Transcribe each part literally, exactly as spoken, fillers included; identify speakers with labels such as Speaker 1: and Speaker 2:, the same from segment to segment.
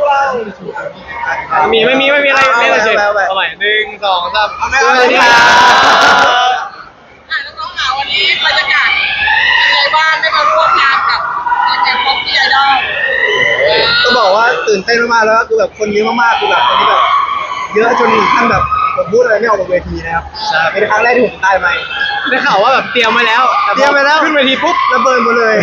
Speaker 1: มีไม่มีไม่มีอะไรไม่เลยเฉยเอาใหม่หนึ่งสองสามสวัสดีครับ
Speaker 2: อ่ะน้องๆค่ะวันนี้บรรยากาศเป็นไงบ้างได้มาร่วมงานกับแก๊งป๊อปปี้ไอดอล
Speaker 3: ต้องบอกว่าตื่นเต้นมากๆแล้วก็คือแบบคนเยอะมากๆคือแบบคนที่แบบเยอะจนถึงขั้นแบบผมพูดอะไรไม่ออกบนเวทีนะครับเป็นครั้งแรกที่ผมได้ไหม
Speaker 1: ได้ข่าวว่าแบบเตรียมมาแล้ว
Speaker 3: เตรียมไปแล้ว
Speaker 1: ขึ้นเวทีปุ๊บ
Speaker 3: ระเบิดหมดเลย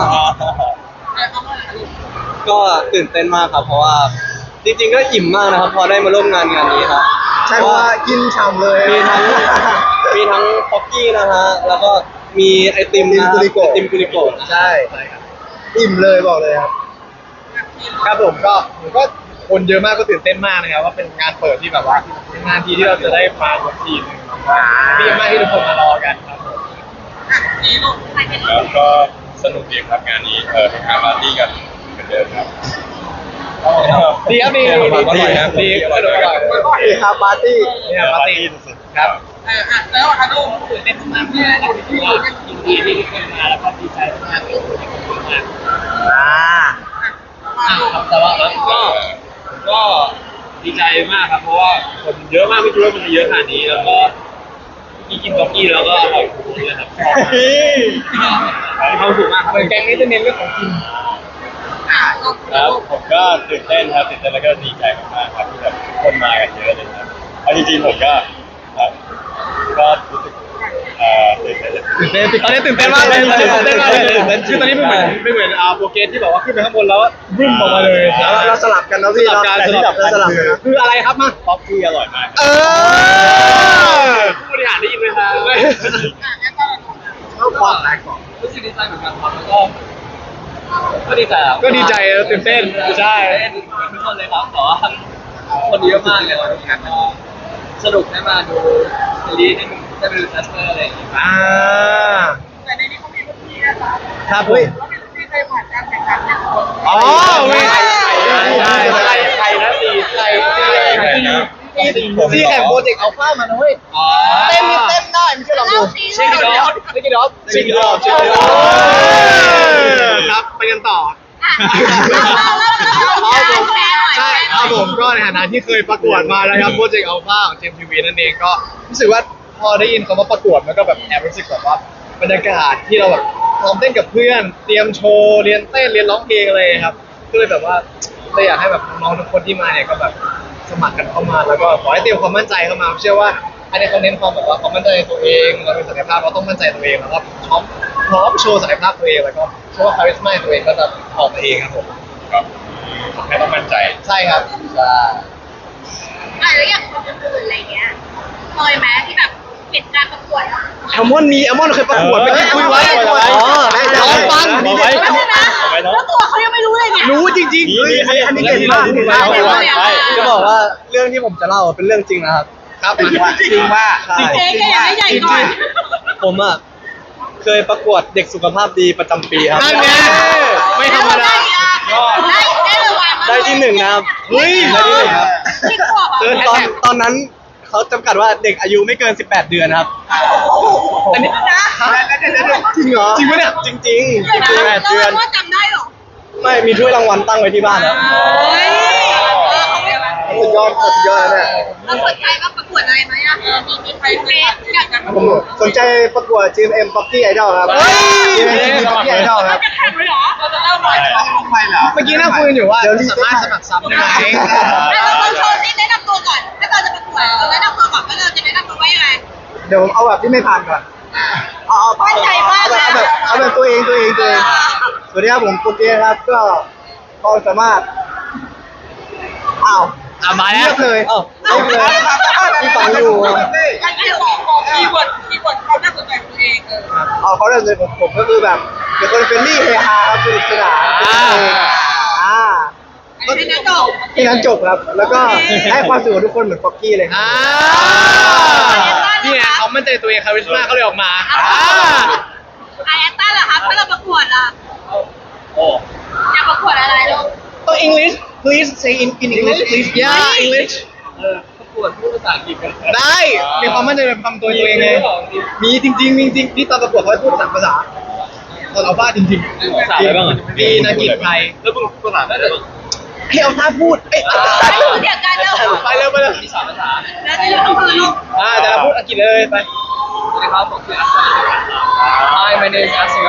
Speaker 4: ก็ตื่นเต้นมากครับเพราะว่าจริงๆก็อิ่มมากนะครับพอได้มาร่วมงานงานนี้ครับ
Speaker 3: ใช่เพราะว่ากินฉ่ำเลย
Speaker 4: มีทั้งมีทั้งป๊อกกี้นะฮะแล้วก็มีไอติมนะไอติมกุลิโกะ
Speaker 3: ใช่อิ่มเลยบอกเลยครับ
Speaker 1: ครับผมก็ผมก็คนเยอะมากก็ตื่นเต้นมากนะครับว่าเป็นงานเปิดที่แบบว่าเป็นงานที่ที่เราจะได้มาทุกทีนึงดีมากที่ทุกคนมารอกันครับผม
Speaker 5: แล้วก็สนุกดีครับงานนี้เออเป็นงานปาร์ตี้กันเหมือนเดิมครับ
Speaker 1: ดีครับดีดีครับดีก็โดยก่อน
Speaker 3: ดีครับปาร์ตี้
Speaker 1: ดีครับปาร์ตี้สุดๆครับ
Speaker 2: อ่ะแล้วอะดูตื่นเต้นมากที่เราที่เรายินดีที่ทุกคนมาแล้วก็ดีใจมากที่ทุกคนมา
Speaker 3: อ่า
Speaker 1: ครับแต่ว่าก็ก็ดีใจมากครับเพราะว่าคนเยอะมากไม่คิดว่ามันจะเยอะขนาดนี้แล้วก็กินกินบ็อกกี้แล้วก็อร่อยทุกคนเลยครับชอบมากมีความสุขมากครับแกงนี้จะเน้นเรื่องของกิน
Speaker 5: ครับผมก็ตื่นเต้นครับตื่นเต้นแล้วก็ดีใจมากๆครับที่แบบคนมากันเยอะเลยครับเอาจริงๆผมก็ก็รู้สึกเอ่อตื่นเต้น
Speaker 1: ตื่นเต้นตอนนี้ตื่นเต้นมากเลยตื่นเต้นมากเลยคือตอนนี้ไม่เหมือนไม่เหมือนอ่าโปรเกรสที่แบบว่าขึ้นไปข้างบนแล้วบึ้มออกมาเลย
Speaker 3: เราสลับกันนะพี่เรา
Speaker 1: สลับกันสลับกันคืออะไรครับมา
Speaker 5: ป๊อปปี้อร่อยมาก
Speaker 1: เออผู้บริหารได้ยินไหมครับ
Speaker 3: เข้าความแตกก่อน
Speaker 1: รู้สึกดีใจเหมือนกันครับแล้วก็ก็ดีใจก็ดีใจตื่นเต้นใช่ทุกคนเลยครับแต่ว่าคนเยอะมากเลยวันนี้สนุกได้มาดูซีรีส์ได้ได้ไปดูแคสเตอร์อะไรอย่างเงี้ยอ่า
Speaker 2: แต่ในนี้เขามีคนที่นะคะ
Speaker 1: ครับเฮ้ย
Speaker 2: เขามีคนที่เคยผ่านการแข่งขันเนี่ย
Speaker 1: อ๋อเว้ยใช่ใช่ใครนะตีใครตีใครนะซีแข่งโปรเจกต์อัลฟามานะเว้ย
Speaker 3: เต้นเต้นได้ไม่ใช่หรอดู
Speaker 1: ชิคกี้ดอฟชิคกี้ดอฟชิคกี้ดอฟชิคกี้ดอฟครับไปกันต่อใช่ครับผมก็ในฐานะที่เคยประกวดมาแล้วครับโปรเจกต์อัลฟาของเจมทีวีนั่นเองก็รู้สึกว่าพอได้ยินคำว่าประกวดมันก็แบบแอบรู้สึกแบบว่าบรรยากาศที่เราแบบซ้อมเต้นกับเพื่อนเตรียมโชว์เรียนเต้นเรียนร้องเพลงอะไรครับก็เลยแบบว่าเลยอยากให้แบบน้องทุกคนที่มาเนี่ยก็แบบสมัครกันเข้ามาแล้วก็ขอให้เตรียมความมั่นใจเข้ามาเชื่อว่าอันนี้เขาเน้นความแบบว่าความมั่นใจในตัวเองเราเป็นศักยภาพเราต้องมั่นใจตัวเองแล้วก็พร้อมพร้อมโชว์ศักยภาพตัวเองแล้วก็โชว์คาริสม่าตัวเองก็จะออกมาเองครับผม
Speaker 5: ครับแค่ต้องมั่นใจ
Speaker 1: ใช่ครับใช่
Speaker 2: อ่ะแล้วอย่างคนอื่นอะไรเงี้ยเคยไหมที่แบบเห็นการประกวด
Speaker 1: แอลมอนมีแอลมอนเคยประกวดไปคุยไว้อ๋อร้องฟัง
Speaker 2: มีเด็กแล้วตัวเขายังไม่รู้เลยเนี่ย
Speaker 1: รู้จริงๆ
Speaker 3: อันนี้เก่งมาก
Speaker 4: จะบอกว่าเรื่องที่ผมจะเล่าเป็นเรื่องจริงนะครับ
Speaker 1: ครับ
Speaker 3: จริงว่าจริงว่า
Speaker 2: จริงๆอยากให้ใหญ่ก่อน
Speaker 4: ผมอ่ะเคยประกวดเด็กสุขภาพดีประจำปีครับ
Speaker 1: นั่นไงไม่ธรรมดา
Speaker 2: ได้ได้รางวัล
Speaker 4: ได้ที่หนึ่งนะครับ
Speaker 1: เฮ้ย
Speaker 4: ได้ที่หนึ่งครับตอนตอนนั้นเขาจำกัดว่าเด็กอายุไม่เกินสิบแปดเดือนครับ
Speaker 1: อันนี้นะ
Speaker 3: จริงเหรอ
Speaker 1: จริงไหมเนี่ย
Speaker 4: จริงจริง
Speaker 2: สิบแปดเดือนว่าจำได้หรอ
Speaker 4: ไม่มีถ้วยรางวัลตั้งไว้ที่บ้านครับ
Speaker 3: สุดยอดสุดยอดเลยเนี่ย
Speaker 2: เราสนใจว่าประกวดอะไรไหมอ่ะมีมีใครเฟสอยากจะ
Speaker 3: ผมสนใจประกวด จี เอ็ม เอ็ม Pocky Idol ครับ จี เอ็ม เอ็ม Pocky Idol ครับ
Speaker 2: จะแข่งเลยเหรอเราจะเล่าหน่อย
Speaker 3: ลงไปเหรอ
Speaker 1: เมื่อกี้นั่งคุยกันอยู่ว่าสามารถสมัครซ้ำได้ไหม
Speaker 2: เราลองโชว์ซิแนะนำตัวก่อนถ้าเราจะประกวดเราแนะนำตัวก่อนว่าเราจะแนะนำตัวว่ายังไง
Speaker 3: เดี๋ยวเอาแบบที่ไม่ผ่านก่อน
Speaker 2: เอาเอาใจมากเลย
Speaker 3: เอาแบบเอาแบบตัวเองตัวเองตัวเองสวัสดีครับผมโปรเกรสครับก็ก็สามารถอ้าว
Speaker 1: อ่ะมาแล้ว
Speaker 3: เลย
Speaker 4: อ้าวเอาเลย
Speaker 3: ที่ฟังอยู่
Speaker 2: ยังไงบอกบอกคีย์เวิร์ดคีย์เวิร์ดเขาน่าสนใจตัวเองเออ
Speaker 3: เอาเขาเลยผมผมก็คือแบบเป็นคนเฟรนลี่เฮฮาครับสนุกสนานอ่า
Speaker 2: ก็ที่นั้นจบ
Speaker 3: ที่นั้นจบครับแล้วก็ให้ความสุขกับทุกคนเหมือนป๊อกกี้เลยครับ
Speaker 1: นี่ไงเขามั่นใจตัวเองคาริสม่าเขาเลยออกมา
Speaker 2: ไอแอนต้าเหรอครับถ้าเราประกวดอ่ะ
Speaker 1: โอ้
Speaker 2: อยากประกวดอะไรลูก
Speaker 1: ต้อง English please say in in English please yeah English เออประกวดพูดภาษาอังกฤษกันได้มีความมั่นใจแบบทำตัวเองไงมีจริงจริงจริงที่ตอนประกวดเขาพูดภาษาภาษาตอนเอาบ้าจริงๆภาษาอะไรบ้างอ่ะมีนักกีฬาไทยแล้วมึงภาษาอะไรบ้าง
Speaker 3: ให้เอาท่าพูดเอ้ย
Speaker 2: ไม่รู้เดียวกันแล้ว
Speaker 1: ไปเร็วไปเร็ว
Speaker 4: มีสามภาษา
Speaker 2: แล้วจะอยู่ตรงไหนลูก
Speaker 1: อ่าแต่เราพูดอังกฤษเลยไป
Speaker 4: สวัสดีครับผมชื่ออัสซัน Hi my name is Asan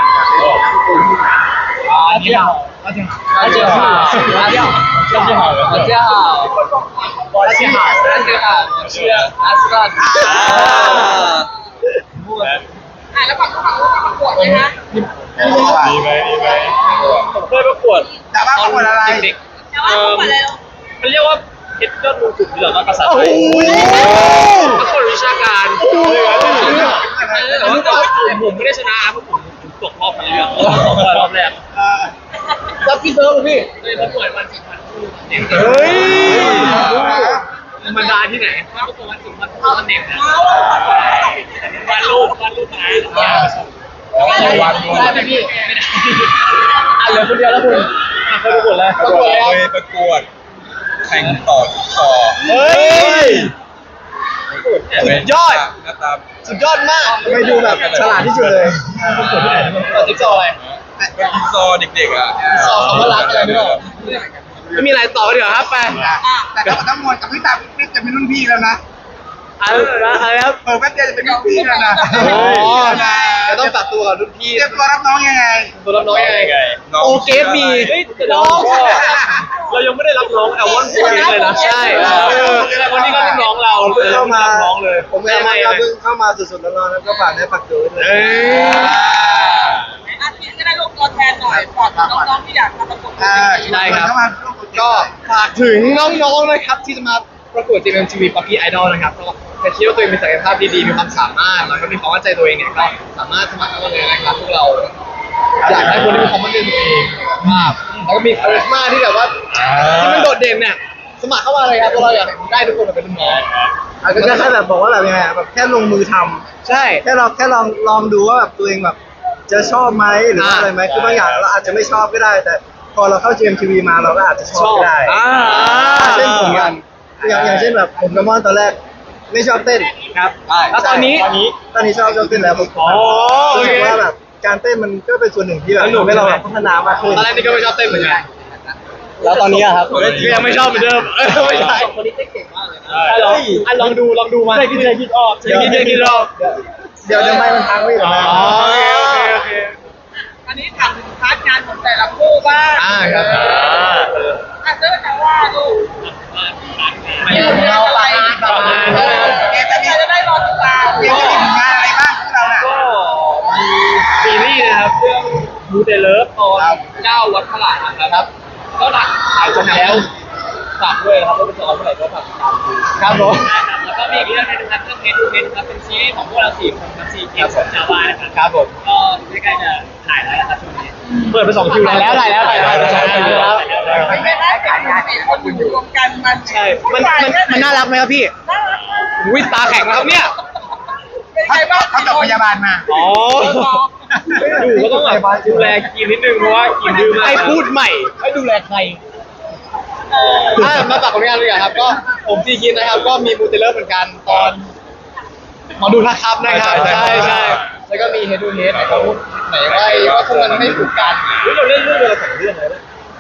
Speaker 1: อาเจียวอาเจียว
Speaker 4: 大家好大家好
Speaker 5: 这句好的，
Speaker 4: 大家好
Speaker 1: 我是哈
Speaker 4: 大家好我是阿斯兰啊
Speaker 2: อ่ะแล้วฝั่งฝั่งลูกประกวดไหมคะ
Speaker 5: ดีไหมดีไหม
Speaker 1: ผมเคยประกวด
Speaker 3: ดราม่าประกวดอะไร
Speaker 1: เด็ก
Speaker 2: แต่ว่าประกวดอะไรลูก
Speaker 1: ๆมันเรียกว่าเพชรยอดมงกุฎหรือว่าภาษาไท
Speaker 3: โอ้
Speaker 1: ย
Speaker 3: โห
Speaker 1: ประกวดวิชาการแต่ว่าผมผมไม่ได้ชนะเพราะผมผมตกรอบไปเรื่องรอบแรก
Speaker 3: รับพี่เติร์ฟพี่
Speaker 1: เลยประกวดวันสิบพันคู่เด็ก
Speaker 3: เฮ้ย
Speaker 1: ธรรมดาที่ไหนประกวดวันสิบพันคู่เด็กนะวาดรูปวาดรูปนะวันได้ไหมพี่ไม่ได้อ่ะเหลือคนเดียวแล้วคุณเคยประกวดแล้ว
Speaker 5: ประกวดเคยประกวดแข่งต่อต่อ
Speaker 1: เฮ้ย สุดยอด
Speaker 5: หน้าตา
Speaker 1: สุดยอดมาก
Speaker 3: ทำไมดูแบบฉลาดที่สุดเลย
Speaker 1: ต่อจิ๊กซอว์อะไร
Speaker 5: เป็นกินซอเด็กๆอ่ะ
Speaker 1: ซอว์คำว่ารักอะไรไม่รู้ไม่มีอะไรต่อเดี๋ยวครับไป
Speaker 3: แต่ถ้าทั้งหมดกับพี่ตาพี่ปิ๊กจะเป็นรุ่นพี่แล้วนะ
Speaker 1: อะไรนะอะไรครับ
Speaker 3: เปิดแป๊บเดียวจะเป็นรุ่นพี่แล้วนะ
Speaker 1: อ๋อจะต้องตัดตัวกับรุ่นพี่
Speaker 3: เตรียมตัวรับน้องยังไง
Speaker 1: ตัวรับน้องยังไง
Speaker 5: น้อง
Speaker 1: โอเกฟมีน้องเรายังไม่ได้รับน้องแอลวอนโอเกฟเลยนะใช่วันนี้ก็รุ่นน้องเรา
Speaker 3: เพิ่งเข้ามา
Speaker 1: น้องเลย
Speaker 3: ผมเองก็เพิ่งเข้ามาสดๆร้อนๆแล้วก็ฝากได้ฝากตัวด้วย
Speaker 1: เอ้ย
Speaker 2: อาทิตย์ก็ได้ลูกตัวแทนหน่อยฝากน้องๆที่อยากมาประกวด
Speaker 3: อ่า
Speaker 1: ได้ครับ
Speaker 3: เข้ามาร่วมโปรเจกต์
Speaker 1: ก็ฝากถึงน้องๆนะครับที่จะมาประกวด จี เอ็ม ที วี Puppy Idol นะครับก็ถ้าคิดว่าตัวเองมีศักยภาพดีๆมีความสามารถแล้วก็มีความมั่นใจตัวเองเนี่ยก็สามารถสมัครเข้ามาเลยนะครับพวกเราอยากได้คนที่มีความมั่นใจตัวเองมากแล้วก็มีคาริสมาที่แบบว่าที่มันโดดเด่นเนี่ยสมัครเข้ามาเลยครับพวกเราอยากได้ทุกคนมาเป็นรุ่นน้อง
Speaker 3: อาจจะแค่แบบบอกว่าแบบยังไงอะแบบแค่ลงมือทำ
Speaker 1: ใช่
Speaker 3: แค่เราแค่ลองลองดูว่าแบบตัวเองแบบจะชอบไหมหรือว่า
Speaker 1: อ่า
Speaker 3: อะไรไหมคือบางอย่างเราอาจจะไม่ชอบก็ได้ แต่พอเราเข้า จี เอ็ม ที วี มาเราก็อาจจะชอบก็ได้
Speaker 1: อ่า
Speaker 3: เช่นผมกันอย่างอย่างเช่นแบบผมกับมอนตอนแรกไม่ชอบเต้น
Speaker 1: ครับแล้วตอนนี้
Speaker 3: ตอนนี้ตอนนี้ชอบชอบเต้นแล้วผม
Speaker 1: อ๋อโอ
Speaker 3: รู้
Speaker 1: เค
Speaker 3: สึกว่าแบบการเต้นมันก็เป็นส่วนหนึ่งที่แบบ
Speaker 1: สนุก
Speaker 3: ทำให้เรา
Speaker 1: ใช่ไหม
Speaker 3: แบบพัฒนามากขึ้น
Speaker 1: ตอนแรกนี่ก็ไม่ชอบเต้นเหมือนกัน
Speaker 3: แล้วตอนนี้อะครับ
Speaker 1: ก็ยังไม่ชอบเหมือนเดิมเออไม่ใช่คนนี้เต้นเก่งมากเลยนะอ่ะลองอ่ะลองดูลองดูมาใช่คิดใช่คิดออกใช่คิดใช่คิดออก
Speaker 3: เดี๋ยวเดี๋ยวไม่มันพังไม่หรอ
Speaker 1: อ๋อโอเคโอเคโอเค
Speaker 2: อันนี้ถามถึงพาร์ทงานของแต่ละคู่บ้าง
Speaker 1: อ่าครับ
Speaker 2: อ่ะเจ้าจะว่าลูก
Speaker 1: ไม่ของเราปะปะมาใช่ไหมครับ
Speaker 2: เกมจะมีจะได้รอติดตาม
Speaker 3: เดี๋ยวจะมีผลงานอะไรบ้างพวกเราน่ะ
Speaker 1: ก็มีซีรีส์นะครับเรื่องมูเตเลิฟตอนเจ้าวัดพระหลานนะครับ ก็หนักถ่ายจบแล้วฝากด้วยนะครับว่าเป็นตอนเมื่อไหร่ก็ฝากติดตามดูครับผมแล้วก็มีอีกเรื่องนึงนะครับเรื่องเฮดูเฮดครับเป็นซีรีส์ของพวกเราสี่คนครับสี่ทีมของชาวบ้านนะครับครับผมก็ใกล้ๆจะถ่ายแล้วนะครับช่วงนี้เปิดไปสองคิวแล้วถ่ายแล้วถ่ายแล้วถ่ายแล้วถ่ายแล้ว
Speaker 2: ไม่ได้การงานสี่คนอยู่รวมกันมัน
Speaker 1: ใช่มันมันมันน่ารักไหมครับพี่
Speaker 2: น่ารักมาก
Speaker 1: วิตาแข็งแล้วครับเนี่ย
Speaker 2: เป็นไงบ้าง
Speaker 3: เขาจบพยาบาลมา
Speaker 1: อ๋ออยู่ก็ต้องแบบดูแลกินนิดนึงเพราะว่ากินดื้อมากให้พูดใหม่ให้ดูแลใครอ่ามาฝากผลงานเลยครับ ก็ผมซีคินนะครับ ก็มีมูเตเลอร์เหมือนกันตอนหมอดูทักครับนะครับ ใช่ใช่แล้วก็มีเฮดูเฮดนะครับไหนว่าว่าพวกมันไม่ถูกกันเราเล่นเรื่องเดียวกันสองเรื่องเลยนะ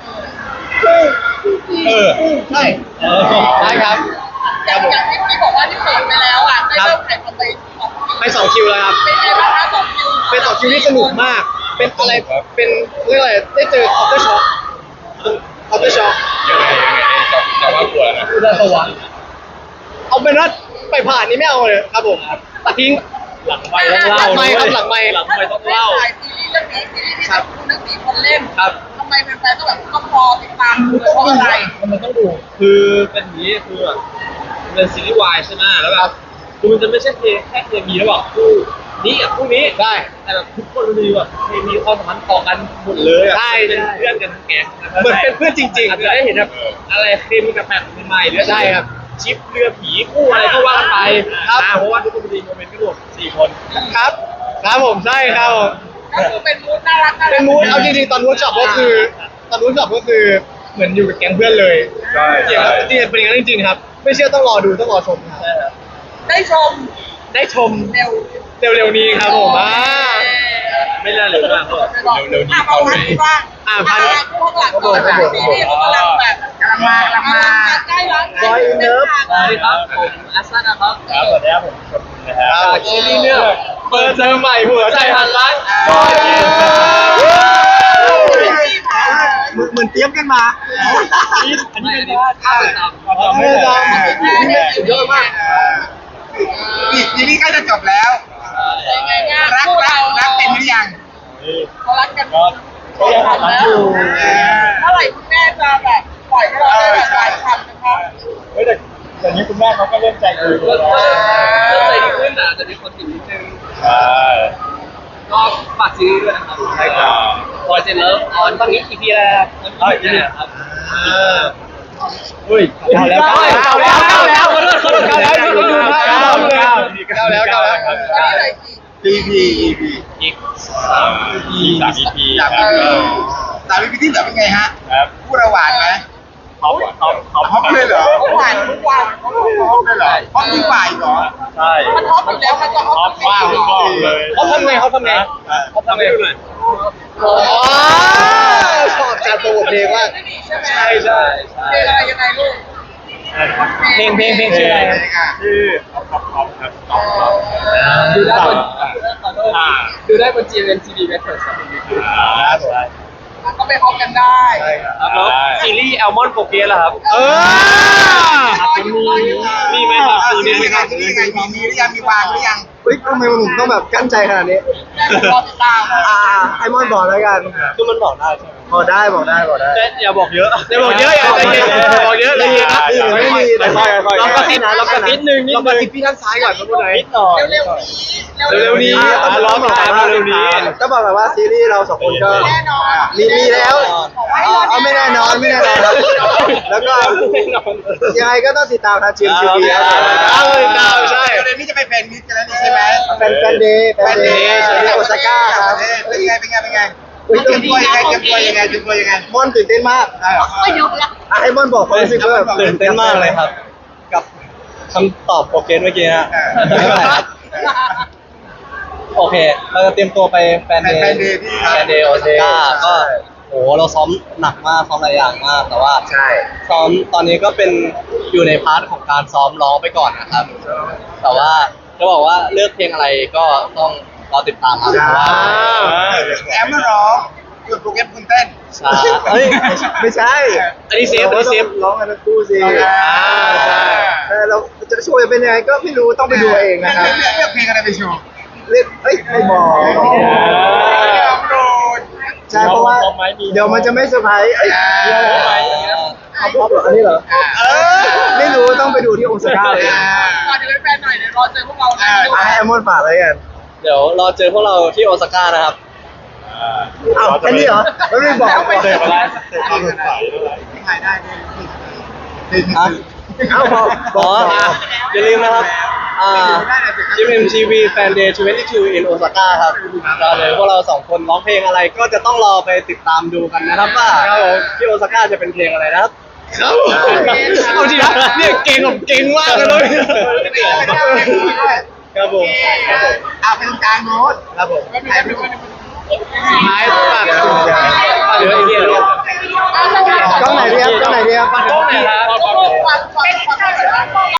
Speaker 1: เออใช่ได้ครับค
Speaker 2: อ
Speaker 1: รั
Speaker 2: ย่า
Speaker 1: บ
Speaker 2: ง
Speaker 1: ผม
Speaker 2: อย่างที่พี่บอกว่าที่เปิดไปแล้วอ่ะได้เริ่มถ่ายทำไป
Speaker 1: ไปสองคิวแล้วครับ
Speaker 2: เป็นไงบ้างคะสองคิว
Speaker 1: เป็นสองคิวที่สนุกมาก เป็นอะไร เป็นเรียกอะไร ได้เจอคอปเตอร์ช็อคคอปเตอร์ช็อค
Speaker 5: ยังไงยังไงจะจะว่ากลัวนะ
Speaker 1: อุดรสวรรค์เอาเป็นว่าไปผ่านนี้ไม่เอาเลยครับผมตัดทิ้ง หลังไม่ต้องเล่าหลังไม่ครับหลังไม่หลังไม่ต้องเล่า
Speaker 2: ถ่ายซีรีส์เรื่องนี้ซีรีส์ที่แบบคุณทั้งสี่คนเล่น
Speaker 1: ครับ
Speaker 2: ทำไมแฟนๆต้องแบบต้องรอติดตามดูเลยเพราะอะไร
Speaker 1: มันต้องดู
Speaker 6: คือเป็นอย่างนี้คือแบบมันเป็นซีรีส์วายใช่ไหมแล้วแบบคือมันจะไม่ใช่เคแค่เคมีระหว่างคู่นี้กับคู่นี้
Speaker 1: ได้
Speaker 6: แต่แบบทุกคนมันมีแบบเคมีความสัมพันธ์ต่อกันหมดเลยอ่ะ
Speaker 1: ใช่
Speaker 6: เป็นเพื่อนกันทั้งแก๊งะครับ
Speaker 1: เหมือนเป็นเพื่อนจริงๆ
Speaker 6: อาจจะได้เห็นแบบอะไรเคมีกับแบบใหม่ๆหรือ
Speaker 1: ใช่ครับ
Speaker 6: ชิปเรือผีคู่อะไรก็ว่ากันไป
Speaker 1: ครับ
Speaker 6: อ่าเพราะว่าทุกคนมีโมเมนต์กันหมดสี่คน
Speaker 1: ครับ ครับผมใช่ครับผม
Speaker 2: ก็คือเป็นมูดน่ารักน่ารัก
Speaker 1: เป็นมูดเอาจริงๆตอนมูดช็อปก็คือตอนมูดช็อปก็คือเหมือนอยู่กับแก๊งเพื่อนเลย
Speaker 5: ใช่
Speaker 1: จริงๆครับจริงๆเป็นอย่างนั้นจริงๆครับ ไม่เชื่อต้องรอดูต้องรอชมครับ
Speaker 2: ได้ชม
Speaker 1: ได้ชม
Speaker 2: เร็ว
Speaker 1: เร็วๆนี้ครับผมอ่า
Speaker 6: ไม่น่าเหลือมากหรอก
Speaker 5: เร็วๆนี้
Speaker 2: อ่ะ
Speaker 5: เข้า
Speaker 2: เอา
Speaker 5: เล
Speaker 2: พัน
Speaker 5: ย
Speaker 2: บ้าง
Speaker 1: อ่ะพัน
Speaker 2: พวกหลังก่อนค่ะซีรีส์เขากำลังแบบลังมากำลังมาใกล้แล้ว
Speaker 3: บอยอินเลิฟ
Speaker 6: สวัสดีครับผมอัสซันนะครับ
Speaker 5: ครับสวัสดีครับผมชมนะครับ
Speaker 6: จากซีรีส์เรื่องเปิดเจอใหม่หัวใจหันล้าน
Speaker 5: บอยอินเลิฟ
Speaker 3: เหมือนเหมือนเตรียมกันมา
Speaker 6: อันนี้อันนี้เป็นท่าประจำ
Speaker 5: เราไม่ได้
Speaker 3: นี่แม่สุดยอดมาก
Speaker 2: อีกทีนี้ใกล้จะจบแล้วรักรักรักเป็นหรือยังเขารักกัน
Speaker 5: ก็ก็ยังทำอยู่
Speaker 2: เมื่อไหร่คุณแม่จะแบบปล่อยให้เราได้แบบหลายคำนะคะ
Speaker 5: เฮ้ยแต่ตอนนี้คุณแม่เขาก็เริ่มใจดี
Speaker 6: ก็
Speaker 5: แล้ว
Speaker 6: ก็ใจดีขึ้นนะแต่มีคนติดนิดนึง
Speaker 5: ใช่
Speaker 6: ก็ฝากซีรีส์ด้วยนะครับ
Speaker 5: ใช่ครับ
Speaker 6: บอยเจนเลิฟออนตอนนี้กี่ปีแล้วครับ
Speaker 5: เอ้ยนี่
Speaker 6: ครับ
Speaker 5: อุ้ยเก้าแล้ว
Speaker 6: เก้าแล้วเก้าแล้วเก้าแล้วขอโทษขอโทษเก้าแล้วขอโทษ
Speaker 5: เก้า
Speaker 6: เก้า
Speaker 5: เก้า
Speaker 6: แล้ว
Speaker 5: เก้า
Speaker 1: เก้าแล้วเก้าแล้ว
Speaker 2: ตอนนี้เลยกี่
Speaker 3: อี พี อี พี
Speaker 5: อีกสาม อี พีสาม อี พีครับ
Speaker 2: สามวิธีแบบเป็นไงฮะ
Speaker 5: ครับ
Speaker 2: พูดระหว่างไหม
Speaker 5: เขาเขาเขา
Speaker 2: ฮอปเลยเหรอฮอปหวานทุกวันฮอปเลยเหรอฮอปยิ่งกว่าอีกเหรอ
Speaker 5: ใช่
Speaker 2: มันฮอปอยู่แล้วมันจะฮ
Speaker 5: ท็
Speaker 2: อ
Speaker 5: อ
Speaker 2: ป
Speaker 5: ปมากผมบอกเลย
Speaker 1: เขาทำไงเขาทำไง
Speaker 6: เขาทำไงดูหน่อย
Speaker 1: อ๋อชอบการโปรโมทเพลงมาก
Speaker 2: ใช่ไหม
Speaker 6: ใช่ใช่ใช่
Speaker 2: เพลงอะไรยังไงลูก
Speaker 6: เพลงเพลงเพลงชื่ออะไรครับ
Speaker 5: ชื่อท็อปท็อปท็อปครับท็อปท็อป
Speaker 6: ดูได้บนขอโทษดูได้บน จี เอ็ม ที วี Records ครับ
Speaker 5: อ่าใช่
Speaker 2: ก็ไปฮอปกันได้
Speaker 6: ครับแล้วซีรีส์แอลมอนโปเกสล่ะครับ
Speaker 1: เออ
Speaker 6: มีไหมครับ
Speaker 2: มีไหมครับมีไงมีมีหรือยังมีวางหรือยัง
Speaker 3: เฮ้ยทำไมผมต้องแบบกั้นใจขนาดนี้
Speaker 2: รอติดตาม
Speaker 3: อ่าไอมอนบอกแล้วกัน
Speaker 4: คือมันบอกได้ใช่ไหม
Speaker 3: บอกได้บอกได้บอกได้
Speaker 6: แต่อย่าบอกเยอะ
Speaker 1: อย่าบอกเยอะอย่าใจเย็นอย่าบอกเยอะใจเย็นนะ
Speaker 3: นี่ไม่มีแต่
Speaker 4: ค่อยๆค่อยๆ
Speaker 1: ลองกระซิบ
Speaker 3: นะ
Speaker 1: ลองกระซิบ
Speaker 6: นิดนึงนิด
Speaker 1: ลองกระ
Speaker 6: นึง
Speaker 1: ซิบพี่ด้านซ้ายก่อนครับคุณไหน
Speaker 4: นิดหน่อย
Speaker 2: เร็วๆนี้
Speaker 1: เร็วๆนี้
Speaker 3: อ่ะ
Speaker 1: อ่ะ
Speaker 3: ต้องบอกก่อนว่า
Speaker 1: เร็วๆนี้
Speaker 3: ต้องบอกแบบว่าซีรีส์เราสองคนก็
Speaker 2: แน่นอน
Speaker 3: มีมีแล้วเอาเอาไม่แน่นอนไม่แน่นอนครับแล้วก็ยังไงก็ต้องติดตามทางจีมทีวีครับ
Speaker 1: เอาเลยดาวใช่
Speaker 2: เดี๋ยวนี้จะไปแฟนมิตรกันแล้วนี่ใช่ไหม
Speaker 3: แฟนแฟนเดย์แฟนเดย์แฟนเดย์โอซาก้าครับ
Speaker 2: เป็นไงเป็นไงเป็นไง
Speaker 3: อุ๊ย
Speaker 2: เตรียมตัวยังไงเตรียมตัวยังไงเตรียมตัวยังไง
Speaker 3: มอนตื่นเต้นมากอ่ะให้มอนบอกความรู้สึกว่าแบบ
Speaker 4: ตื่นเต้นมากเลยครับ กับคำตอบโปรเกนเมื่อกี้นะไม่เป็นไรครับโอเค เราจะเตรียมตัวไปแฟนเดย์
Speaker 2: แฟนเดย์ที่
Speaker 4: แฟนเดย์โอซาก้าก็โหเราซ้อมหนักมากซ้อมหลายอย่างมาก แต่ว่า
Speaker 3: ใช่
Speaker 4: ซ้อมตอนนี้ก็เป็นอยู่ในพาร์ทของการซ้อมร้องไปก่อนนะครับ แต่ว่าจะบอกว่าเลือกเพลงอะไรก็ต้องรอติดตามครับเพราะว่า
Speaker 2: แอมมาร้องคือโปรแกรมคุณเต้น
Speaker 4: ใช่เฮ้ย
Speaker 3: ไม่ใช่
Speaker 1: อันนี้เซฟอันนี้เซฟ
Speaker 3: ร้องกันทั้งคู่สิ
Speaker 2: อ่า
Speaker 3: ใช่ใช่เราจะโชว์จะเป็นยังไงก็ไม่รู้ต้องไปดูเองนะครับ
Speaker 2: เลือกเลือกเพลงอะไรไปโชว์
Speaker 3: เรียกเอ้ยไม่บอก
Speaker 2: โดน
Speaker 3: ใช่เพราะว่าเดี๋ยวมันจะไม่เซอร์ไพรส์เอ้ย
Speaker 2: อ่า
Speaker 3: เอาพออันนี้เหรอ
Speaker 2: เออ
Speaker 3: ไม่รู้ต้องไปดูที่โอซาก้าเลย
Speaker 2: ก่อนจะเป็นแฟนหน่อยเดี๋ยวรอเจอพวกเรานะ
Speaker 3: อ่ะให้แอมมอนฝากอะไรกัน
Speaker 4: เดี๋ยวรอเจอพวกเราที่โอซาก้านะครับ
Speaker 3: อ้าวแค่นี้เหรอแล้วไม่บอกก่อน
Speaker 5: เจอมาแล้วเจอความสดใสด้วย
Speaker 2: ถ่ายได้ด้วย
Speaker 4: ฮะ
Speaker 3: เอ้าบอกบ
Speaker 4: อ๋
Speaker 3: อ
Speaker 4: อก อย่าลืมนะครับ อ่า จี เอ็ม ที วี Fan Day ยี่สิบสอง in Osaka ครับก็เลยพวกเราสองคนร้องเพลงอะไรก็จะต้องรอไปติดตามดูกันนะครับว่าที่โอซาก้าจะเป็นเพลงอะไรนะครับ
Speaker 1: ครับเอาจริงนะเนี่ยเก่งผมเก่งมากเลย
Speaker 3: ครับผม
Speaker 2: อ่ะเป็นกลางโน้ต
Speaker 3: ครับผม
Speaker 2: ก็ดูกันดูกัน
Speaker 1: ท้ายฝากเหลือไอ้เหี้ย
Speaker 3: กล้องไหนดีครับกล้องไหนดีครับ
Speaker 6: กล้องไหนครับ
Speaker 2: ก็พวกความความความ